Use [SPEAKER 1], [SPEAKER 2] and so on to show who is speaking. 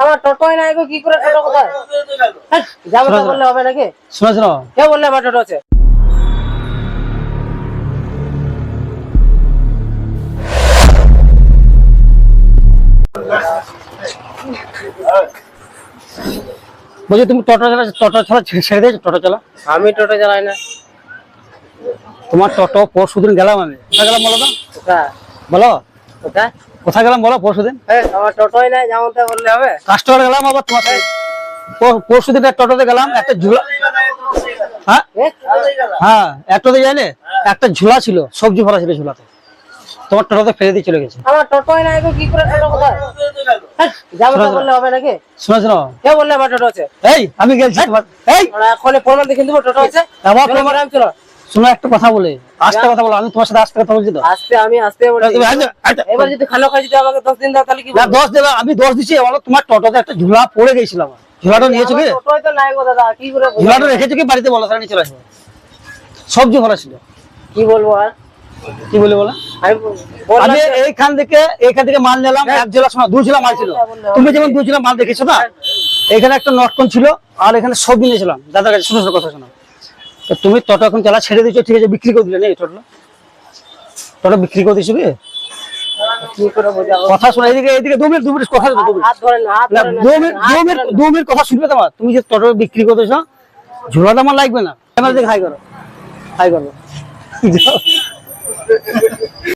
[SPEAKER 1] আমার টোটোই নাই গো, কি করে টোটো কোথায়? যাবো তো বললে হবে নাকি?
[SPEAKER 2] শোনো শোনো,
[SPEAKER 1] কে বললে আমার টোটো আছে?
[SPEAKER 2] বলছি তুমি টোটো চালা ছেড়ে দিয়েছো? টোটো চালা?
[SPEAKER 1] আমি টোটো চালাই না।
[SPEAKER 2] তোমার টোটো পরশুদিন গেলাম আমি, কোথায় গেলাম বলো তো?
[SPEAKER 1] কোথায়?
[SPEAKER 2] বলো
[SPEAKER 1] কোথায়?
[SPEAKER 2] কোথায় গেলাম বলো পরশুদিন?
[SPEAKER 1] আমার টোটোই নাই, যেমন তা বললে হবে?
[SPEAKER 2] কাস্টমার গেলাম আবার তোমার সাথে। পরশুদিন একটা টোটোতে গেলাম, একটা ঝুলা, হ্যাঁ হ্যাঁ একটাতে যাইলে একটা ঝুলা ছিল, সবজি ভরা ছিল ঝুলাতে, তোমার টোটোতে ফেলে দিয়ে চলে গেছে।
[SPEAKER 1] আমার টোটোই নাই গো, কি করে টোটো কোথায়? যাবো তো বললে হবে নাকি?
[SPEAKER 2] শোনো শোনো,
[SPEAKER 1] কে বললে আমার টোটো আছে?
[SPEAKER 2] এই আমি গেছি তোমার, এই
[SPEAKER 1] এখন প্রমাণ দেখে দেবো টোটো আছে।
[SPEAKER 2] আমার
[SPEAKER 1] চলো,
[SPEAKER 2] তোমার,
[SPEAKER 1] ম্যাডাম, চলো।
[SPEAKER 2] শোনো একটা কথা বলে, আস্তে কথা বলো, আমি তোমার সাথে আস্তে কথা বলছি তো।
[SPEAKER 1] আমি আসতে বলছি।
[SPEAKER 2] তুমি আচ্ছা, আচ্ছা,
[SPEAKER 1] এবার যদি খালো খাই যদি আমাকে 10 দিন দাও তাহলে কি
[SPEAKER 2] না
[SPEAKER 1] বলবো?
[SPEAKER 2] দোষ দেবে, আমি দোষ দিচ্ছি, বলো তোমার টোটোতে একটা ঝুলা পড়ে গেছিল, আমার ঝুলাটা নিয়েছো কি?
[SPEAKER 1] আমার টোটোই তো নাই গো দাদা, কি করে বলবো?
[SPEAKER 2] ঝুলাটা রেখেছো কি বাড়িতে? বলো তাহলে নিয়ে চলে আসবো। সবজি ভরা ছিল।
[SPEAKER 1] কি বলবো আর?
[SPEAKER 2] কি বলে বলো?
[SPEAKER 1] আমি বললাম
[SPEAKER 2] আমি
[SPEAKER 1] যে-
[SPEAKER 2] এইখান থেকে মাল নিলাম, এক ঝোলা, শোনা, 2 ঝোলা মাল ছিল। তুমি যেমন 2 ঝোলা মাল দেখেছো না, এখানে একটা নটকন ছিল, আর এখানে সবজি নিয়েছিলাম দাদার কাছে। শোনো শোনো কথা শোনো, তো তুমি টোটো এখন চালা ছেড়ে দিয়েছো, ঠিক আছে, বিক্রি করে দিলে নেই টোটো বিক্রি করে দিয়েছো কি?
[SPEAKER 1] কি করে বোঝাবো?
[SPEAKER 2] কথা শোনা, এদিকে এদিকে 2 মিনিট কথা শোনো, 2 মিনিট
[SPEAKER 1] হাত ধরেন না, হাত
[SPEAKER 2] না,
[SPEAKER 1] ধরেন না।
[SPEAKER 2] 2 মিনিট কথা শুনবে তোমার। তুমি যে টোটো বিক্রি করে দিয়েছো, ঝোলাটা আমার লাগবে না। ক্যামেরা দিকে হাই করো, হাই করো।